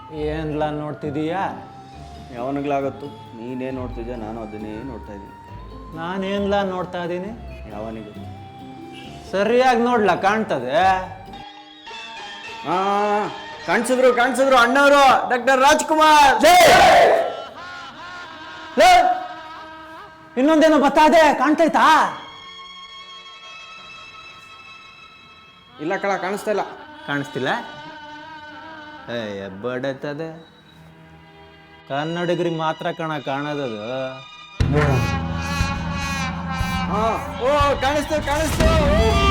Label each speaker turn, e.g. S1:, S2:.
S1: ಏನ್ಲ ನೋಡ್ತಿದೀಯಾ?
S2: ಯಾವನಿಗ್ಲಾಗತ್ತು? ನೀನೇ ನೋಡ್ತಿದ್ಯಾ, ನಾನು ಅದನ್ನೇ ನೋಡ್ತಾ ಇದ್ದೀನಿ.
S1: ನಾನೇನ್ಲ ನೋಡ್ತಾ ಇದ್ದೀನಿ?
S2: ಯಾವನಿಗೆ?
S1: ಸರಿಯಾಗಿ ನೋಡ್ಲಾ, ಕಾಣ್ತದೆ.
S2: ಹಾಂ, ಕಾಣಿಸಿದ್ರು ಅಣ್ಣವರು, ಡಾಕ್ಟರ್ ರಾಜ್ಕುಮಾರ್.
S1: ಲೇ, ಇನ್ನೊಂದೇನೋ ಬತ್ತಾದೆ, ಕಾಣ್ತೈತಾ?
S2: ಇಲ್ಲ ಕಳ, ಕಾಣಿಸ್ತಾ ಇಲ್ಲ.
S1: ಕಾಣಿಸ್ತಿಲ್ಲ? ಬಡತದೆ. ಕನ್ನಡಿಗರಿಗೆ ಮಾತ್ರ ಕಾಣೋದದು.
S2: ಹಾಂ, ಓ ಕಾಣಿಸ್ತು.